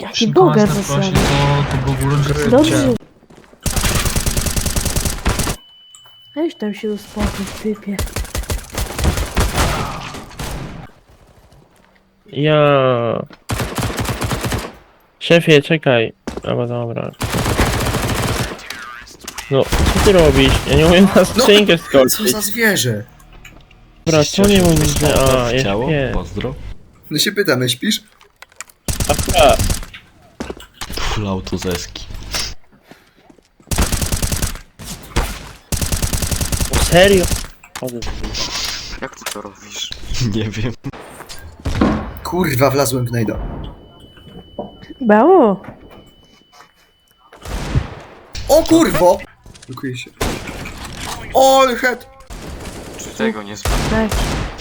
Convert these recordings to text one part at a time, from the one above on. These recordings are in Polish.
Jaki boger Szynkować na prosi, zasłany. to był uroczysty. Dobrze. Weź tam się uspokój, typie. Ja. Szefie, czekaj. Albo dobra. No, co ty robisz? Ja nie umiem na skrzynkę Co skoczyć. za zwierzę? Dobra, co nie mówisz, że... A, Ciało? nie. Pozdro. No się pytam, śpisz? Aha. Full autozeski. Serio? Chodzę. Jak ty to robisz? Nie wiem. Kurwa, wlazłem w najdo. Brawo! O kurwo! Dziękuję się. O, head! Czy tego nie znam? Tak.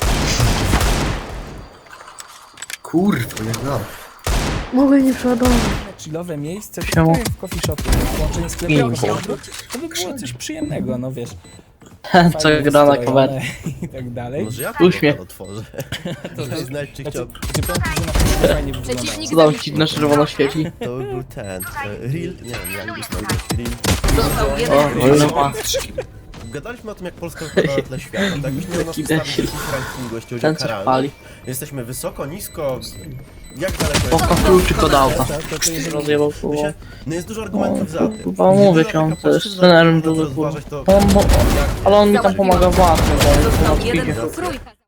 Kurwa, jak no. Mogę nie przeładować. Chillowe miejsce, Siema. w coffee shopie, połączenie sklepu, to by było coś przyjemnego, no wiesz. Co Fajnie gra na wystrojone kamerę. i tak dalej. Może ja Uśmiech. to otworzę. To znać, czy chciał... Czy powiem ci, że naprawdę fajnie wyglądało. Co tam ci na czerwono świeci? To był ten... Real? Nie wiem, jak byś to Real. Został jeden O, wróg. ale ma. Gadaliśmy o tym, jak Polska wypada na tle świata. Tak byś miał nas Jaki ustawić w debil. jakimś rankingu, jeśli chodzi o Ten co karalność. pali. Jesteśmy wysoko, nisko... Jak daleko Poka jest? kluczyk od auta. To jest Rozjebał My słowo. się- No jest dużo argumentów za tym. Chyba mówię ci, on też z trenerem dużo kurwa. Ale on mi tam pomaga własny, bo on Został na jeden speedzie. wróg. Trójka.